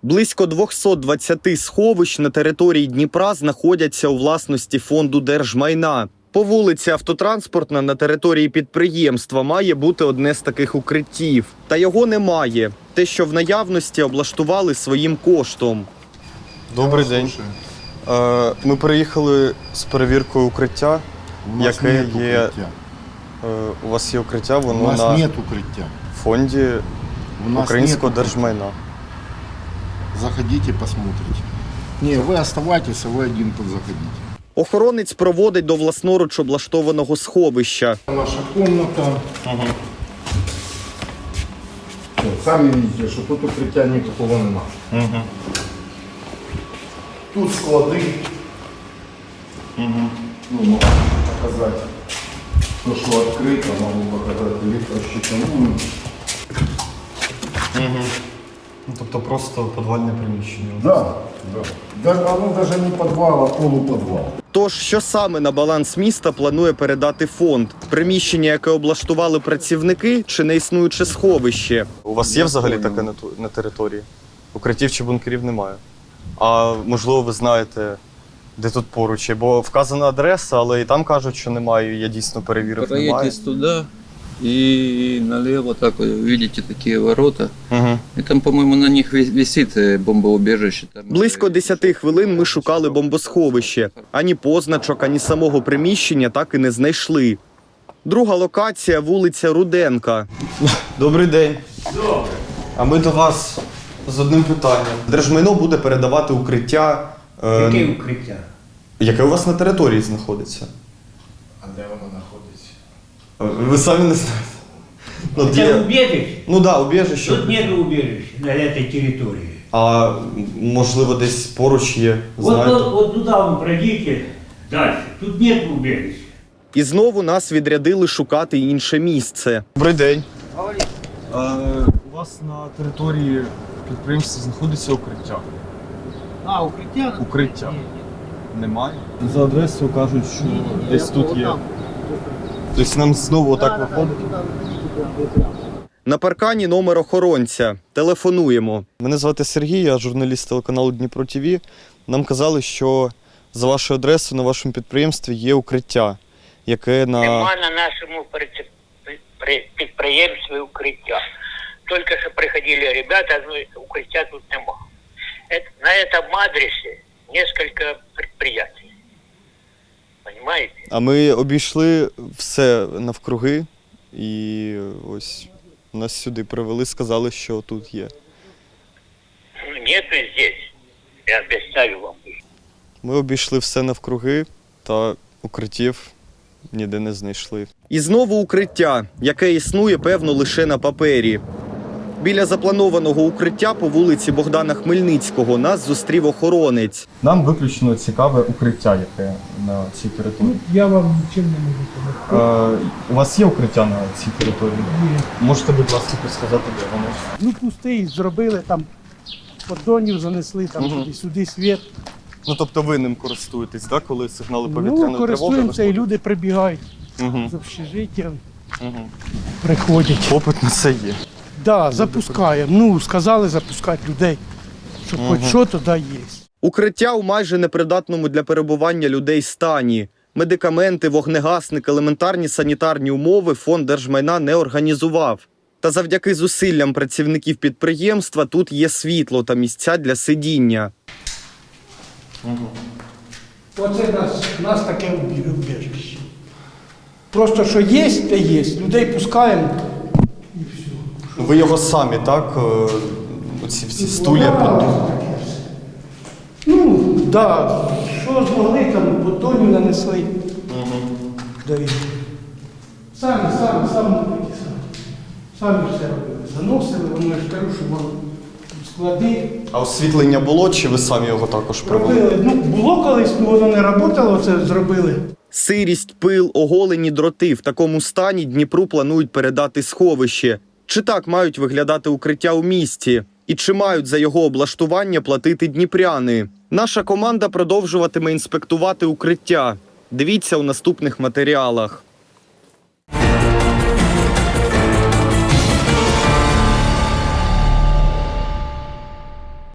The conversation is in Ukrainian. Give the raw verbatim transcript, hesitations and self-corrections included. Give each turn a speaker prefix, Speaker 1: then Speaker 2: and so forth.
Speaker 1: Близько двохсот двадцяти сховищ на території Дніпра знаходяться у власності Фонду держмайна. По вулиці Автотранспортна на території підприємства має бути одне з таких укриттів. Та його немає. Те, що в наявності, облаштували своїм коштом. Добрий день. Ми приїхали з перевіркою укриття, яке є... У вас є укриття, воно
Speaker 2: у нас
Speaker 1: на
Speaker 2: нет укриття.
Speaker 1: Фонді Українського держмайна.
Speaker 2: Заходите, посмотрите. Не, ви оставайтеся, ви один тут заходите.
Speaker 1: Охоронець проводить до власноруч облаштованого сховища.
Speaker 2: Наша комната. Ага. Самі бачите, що тут укриття ніякого нема. Ага. Тут склади. Ага. Ну, можу показати. То, що відкрито, можу показати електрощитову.
Speaker 1: Угу. Ну, тобто просто підвальне приміщення.
Speaker 2: Так, да, да. Воно навіть не підвал, а полупідвал.
Speaker 1: Тож, що саме на баланс міста планує передати фонд? Приміщення, яке облаштували працівники, чи неіснуюче сховище? У вас є взагалі таке на, на території? Укриттів чи бункерів немає. А можливо, ви знаєте, де тут поруч є? Бо вказана адреса, але і там кажуть, що немає, я дійсно перевірив, немає.
Speaker 3: Проедете туда и налево, так вы видите такие ворота.
Speaker 1: Угу.
Speaker 3: И там, по-моему, на них висит бомбоубежище. Там
Speaker 1: Близько десяти хвилин ми шукали бомбосховище. Ані позначок, ані самого приміщення так і не знайшли. Друга локація – вулиця Руденка. Добрий день.
Speaker 4: Добре.
Speaker 1: А ми до вас з одним питанням. Держмайно буде передавати укриття. Е...
Speaker 4: Яке укриття?
Speaker 1: Яке у вас на території знаходиться?
Speaker 2: А де воно знаходиться?
Speaker 1: Ви самі не знаєте. Ну,
Speaker 4: Это
Speaker 1: для...
Speaker 4: убежище?
Speaker 1: ну да, убіжище.
Speaker 4: Тут нет убежища на этой территории.
Speaker 1: А можливо десь поруч є,
Speaker 4: Вот,
Speaker 1: знаєте?
Speaker 4: вот, вот туда вы пройдите дальше. Тут нет убежища.
Speaker 1: І знову нас відрядили шукати інше місце. Добрий день. У вас на території підприємства знаходиться укриття?
Speaker 4: А, укриття?
Speaker 1: Укриття. Немає? За адресою кажуть, що десь тут є. Тобто нам знову отак виходить? На паркані номер охоронця. Телефонуємо. Мене звати Сергій, я журналіст телеканалу Дніпро ТВ. Нам казали, що за вашою адресою на вашому підприємстві є укриття, яке на...
Speaker 5: Нема на нашому підприємстві укриття. Тільки що приходили ребята, укриття тут нема. На цьому адресі кілька підприємств. Понимаете?
Speaker 1: А ми обійшли все навкруги і ось нас сюди привели, сказали, що тут є.
Speaker 5: Нету здесь. Я обіцяю вам.
Speaker 1: Ми обійшли все навкруги та укриттів ніде не знайшли. І знову укриття, яке існує, певно, лише на папері. Біля запланованого укриття по вулиці Богдана Хмельницького нас зустрів охоронець. Нам виключно цікаве укриття, яке на цій території.
Speaker 6: Ну, я вам нічим не можу допомогти.
Speaker 1: Е, у вас є укриття на цій території?
Speaker 6: Ні.
Speaker 1: Можете, будь ласка, підсказати, де воно?
Speaker 6: Ну, пустий, зробили там, поддонів занесли, там
Speaker 1: Угу.
Speaker 6: туди, сюди світ.
Speaker 1: Ну, тобто ви ним користуєтесь, так, коли сигнали повітряної
Speaker 6: Ну,
Speaker 1: тривоги?
Speaker 6: користуємося, і люди прибігають
Speaker 1: Угу.
Speaker 6: з общежиття,
Speaker 1: Угу.
Speaker 6: приходять.
Speaker 1: Попит на це є.
Speaker 6: Так, да, запускаємо. Ну, сказали запускати людей, щоб
Speaker 1: Угу.
Speaker 6: хоч що туди є.
Speaker 1: Укриття у майже непридатному для перебування людей стані. Медикаменти, вогнегасник, елементарні санітарні умови Фонд держмайна не організував. Та завдяки зусиллям працівників підприємства тут є світло та місця для сидіння.
Speaker 6: Угу. Оце нас, нас таке убіжище. Просто що є, те є. Людей пускаємо і все.
Speaker 1: Ви його самі, так? Оці всі стулья подумали.
Speaker 6: Ну, так, да. Що змогли, там поддонів нанесли.
Speaker 1: Угу.
Speaker 6: Да і самі, самі, самі робили, самі. Самі все робили. Заносили, воно я ж кажу, що воно склади.
Speaker 1: А освітлення було, чи ви самі його також провели?
Speaker 6: Робили. Ну, було колись, але воно не працювало, це зробили.
Speaker 1: Сирість, пил, оголені дроти. В такому стані Дніпру планують передати сховище. Чи так мають виглядати укриття у місті? І чи мають за його облаштування платити дніпряни? Наша команда продовжуватиме інспектувати укриття. Дивіться у наступних матеріалах.